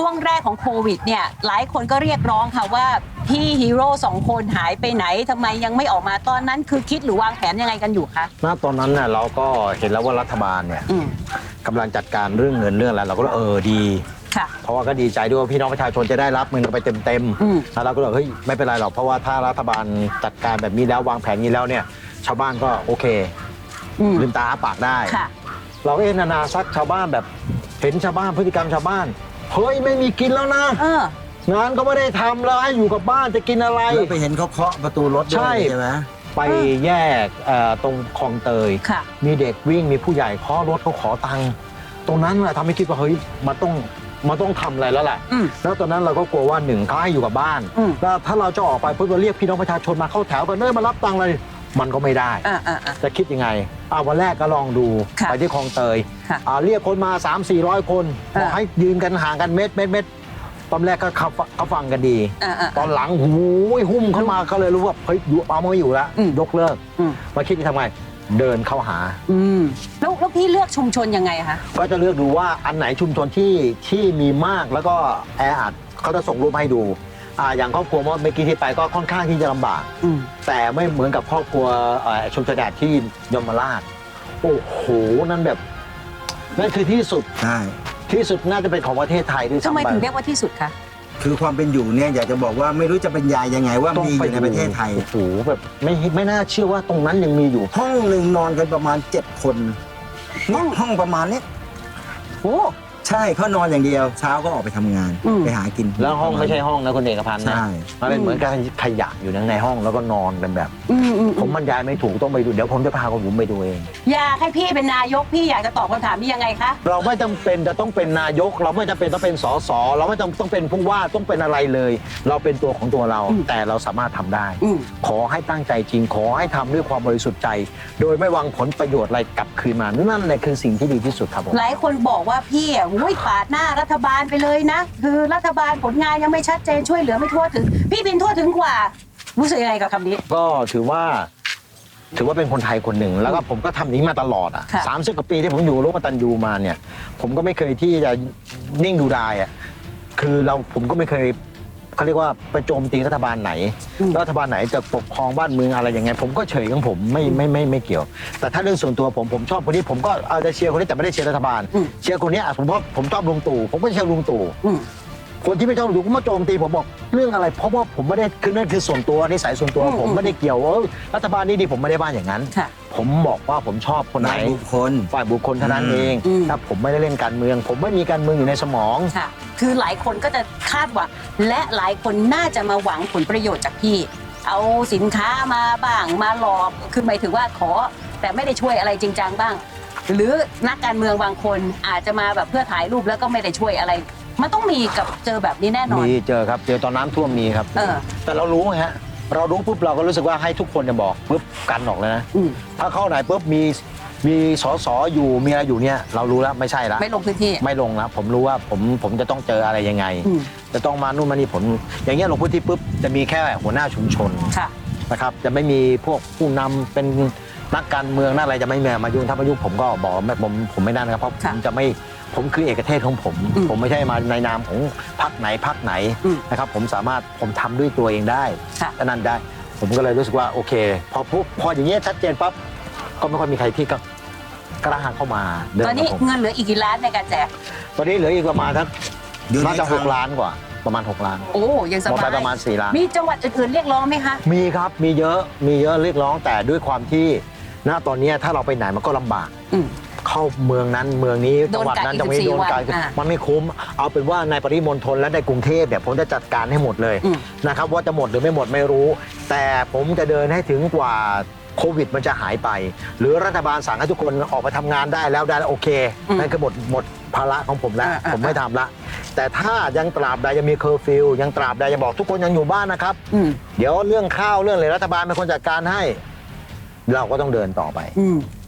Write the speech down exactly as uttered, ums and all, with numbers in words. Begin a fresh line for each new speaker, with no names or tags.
วงแรกของโควิดเนี่ยหลายคนก็เรียกร้องค่ะว่าพี่ฮีโร่สองคนหายไปไหนทำไมยังไม่ออกมาตอนนั้นคือคิดหรือวางแผนยังไงกันอยู่คะ
ณตอนนั้นเนี่ยเราก็เห็นแล้วว่ารัฐบาลเนี่ยกำลังจัดการเรื่องเงินเรื่องอะไรเราก็เออดีเพราะว่าก็ดีใจด้วยว่าพี่น้องประชาชนจะได้รับเงินไปเต็มๆแล้วเราก็เลยเฮ้ยไม่เป็นไรหรอกเพราะว่าถ้ารัฐบาลจัดการแบบนี้แล้ววางแผนนี้แล้วเนี่ยชาวบ้านก็โอเคลืมตาอ้าปากได้เราก็เอ็นนานาซักชาวบ้านแบบเห็นชาวบ้านพฤติกรรมชาวบ้านเฮ้ยไม่มีกินแล้วนะงานก็ไม่ได้ทำแล้วให้อยู่กับบ้านจะกินอะไร
แล้วไปเห็นเขาเคาะประตูรถด้วยใช่ไหม
ไปแยกตรงคลองเตยมีเด็กวิ่งมีผู้ใหญ่เคาะรถเขาขอตังค์ตรงนั้นแหละทำให้คิดว่าเฮ้ยมันต้องมันต้องทำอะไรแล้วแหละแล้วตอนนั้นเราก็กลัวว่าหนึ่งเขาให้อยู่กับบ้านแล้วถ้าเราจะออกไปเพื่อเรียกพี่น้องประชาชนมาเข้าแถวกันเนิ่มารับตังค์เลยมันก็ไม่ได้จะคิดยังไงเอาวันแรกก็ลองดูไปที่คลองเตยเรียกคนมา สามสี่ร้อย คนบอกให้ยืนกันห่างกันเม็ดเม็ดเม็ดตอนแรกก็เขาฟังกันดีตอนหลังหูยหุ้มเข้ามาเขาเลยรู้ว่าเฮ้ยอยู่เอาไม่อยู่แล้วยกเลิกมาคิดจะทำไงเดินเข้าหา
แล้วแล้วพี่เลือกชุมชนยังไงคะ
ก็จะเลือกดูว่าอันไหนชุมชนที่ที่มีมากแล้วก็แออัดเขาจะส่งรูปให้ดูอ่าอย่างครอบครัวเมื่อกี้ที่ไปก็ค่อนข้างที่จะลำบากแต่ไม่เหมือนกับครอบครัวชุมชนแอดที่ยมราชโอ้โหนั่นแบบนั่นคือที่สุด
ใช่
ที่สุดน่าจะเป็นของประเทศไทยด้วยซ้ำไป
ทำไมถึงเรียกว่าที่สุดคะ
คือความเป็นอยู่เนี่ยอยากจะบอกว่าไม่รู้จะบรรยายยังไงว่ามีอยู่ในประเทศไทย
โอ้โหแบบไม่ไม่น่าเชื่อว่าตรงนั้นยังมีอยู่
ห้องหนึ่งนอนกันประมาณเจ็ดคนห้องห้องประมาณนี้
โอ้
ใช่เขานอนอย่างเดียวเช้าก็ออกไปทำงานไปหากิน
แล้วห้องไม่ใช่ห้องนะคุณเอกพันธ์นะมันเป็นเหมือนกับขยะอยู่ในห้องแล้วก็นอนกันแบบผมบรรยายไม่ถูกต้องไปดูเดี๋ยวผมจะพาคุณผมไปดูเอง
อยากให้พี่เป็นนายกพี่อยากจะตอบคำถามนี้ยังไงคะ
เราไม่จำเป็นจะต้องเป็นนายกเราไม่จำเป็นต้องเป็นสสเราไม่จำต้องเป็นผู้ว่าต้องเป็นอะไรเลยเราเป็นตัวของตัวเราแต่เราสามารถทำได้ขอให้ตั้งใจจริงขอให้ทำด้วยความบริสุทธิ์ใจโดยไม่หวังผลประโยชน์อะไรกลับคืนมานั่นแหละคือสิ่งที่ดีที่สุดครับผม
หลายคนบอกว่าพี่อ่ะอุ้ยปาดหน้ารัฐบาลไปเลยนะคือรัฐบาลผลงานยังไม่ชัดเจนช่วยเหลือไม่ทั่วถึงพี่บินทั่วถึงกว่ารู้สึกยังไงกับคำนี้
ก็ถือว่าถือว่าเป็นคนไทยคนหนึ่งแล้วก็ผมก็ทำนี้มาตลอดอ่ะสามสิบกว่าปีที่ผมอยู่ร่วมกับตันยูมาเนี่ยผมก็ไม่เคยที่จะนิ่งดูดายอ่ะคือเราผมก็ไม่เคยเขาเรียกว่าไปโจมตีรัฐบาลไหนรัฐบาลไหนจะปกครองบ้านเมืองอะไรยังไงผมก็เฉยของผมไม่ไม่ไม่ไม่เกี่ยวแต่ถ้าเรื่องส่วนตัวผมผมชอบคนนี้ผมก็เอาจะเชียร์คนนี้แต่ไม่ได้เชียร์รัฐบาลเชียร์คนนี้ผมเพราะผมชอบลุงตู่ผมก็เชียร์ลุงตู่คนที่ไม่ชอบลุงตู่ก็มาโจมตีผมบอกเรื่องอะไรเพราะว่าผมไม่ได้คือนั่นคือส่วนตัวนิสัยส่วนตัวผมไม่ได้เกี่ยวว่ารัฐบาลนี้ดีผมไม่ได้บ้านอย่างนั้นผมบอกว่าผมชอบคนไหน
บุคคล
ฝ่ายบุคคลเท่านั้นเองถ้าผมไม่ได้เล่นการเมืองผมไม่มีการเมืองอยู่ในสมอง
ค่ะคือหลายคนก็จะคาดหวังและหลายคนน่าจะมาหวังผลประโยชน์จากพี่เอาสินค้ามาบ้างมาหลอกคือหมายถึงว่าขอแต่ไม่ได้ช่วยอะไรจริงจังบ้างหรือนักการเมืองบางคนอาจจะมาแบบเพื่อถ่ายรูปแล้วก็ไม่ได้ช่วยอะไรมันต้องมีกับเจอแบบนี้แน่นอน
มีเจอครับเจอตอนน้ำท่วมมีครับแต่เรารู้ไงฮะเรารู้ปุ๊บเราก็รู้สึกว่าให้ทุกคนจะบอกปุ๊บกันออกเลยนะถ้าเข้าไหนปุ๊บมีมีสสอยู่มีอะไรอยู่เนี่ยเรารู้แล้วไม่ใช่ละ
ไม่ลงพื้นที่
ไม่ลงแล้วผมรู้ว่าผมผมจะต้องเจออะไรยังไงจะต้องมานู่นมานี่ผลอย่างเงี้ยลงพื้นที่ปุ๊บจะมีแค่หัวหน้าชุมชนนะครับจะไม่มีพวกผู้นำเป็นนักการเมืองนักอะไรจะไม่มายุ่งถ้ามายุ่งผมก็บอกไม่ผมผมไม่ได้นะครับเพราะผมจะไม่ผมคือเอกเทศของผมผมไม่ใช่มาในนามของพรรคไหนพรรคไหนนะครับผมสามารถผมทำด้วยตัวเองได้ฉะนั้นได้ผมก็เลยรู้สึกว่าโอเคพอปุ๊บพออย่างเงี้ยชัดเจนปั๊บก็ไม่ค่อยมีใครที่ก็กล้าเข้ามา
ตอนนี้เงินเหลืออีกกี่ล้านในการแจก
ตอนนี้เหลืออีกประมาณทั้งน่าจะหกล้านกว่าประมาณหกล้าน
โอ้ยังสบาย
ประมาณสี่ล้าน
มีจังหวัดอื่นๆเรียกร้องไหมคะ
มีครับมีเยอะมีเยอะเรียกร้องแต่ด้วยความที่ณตอนนี้ถ้าเราไปไหนมันก็ลำบากเข้าเมืองนั้นเมืองนี้จังหวัดนั้นจังหวัดนี้โดนการมันไม่คุ้มเอาเป็นว่าในปริมณฑลและในกรุงเทพเนี่ยผมจะจัดการให้หมดเลยนะครับว่าจะหมดหรือไม่หมดไม่รู้แต่ผมจะเดินให้ถึงกว่าโควิดมันจะหายไปหรือรัฐบาลสั่งให้ทุกคนออกไปทำงานได้แล้วได้โอเคนั่นคือหมดหมดภาระของผมแล้วผมไม่ทำละแต่ถ้ายังตราบใดยังมีเคอร์ฟิวยังตราบใดยังบอกทุกคนยังอยู่บ้านนะครับเดี๋ยวเรื่องข้าวเรื่องอะไรรัฐบาลเป็นคนจัดการให้เราก็ต้องเดินต่อไป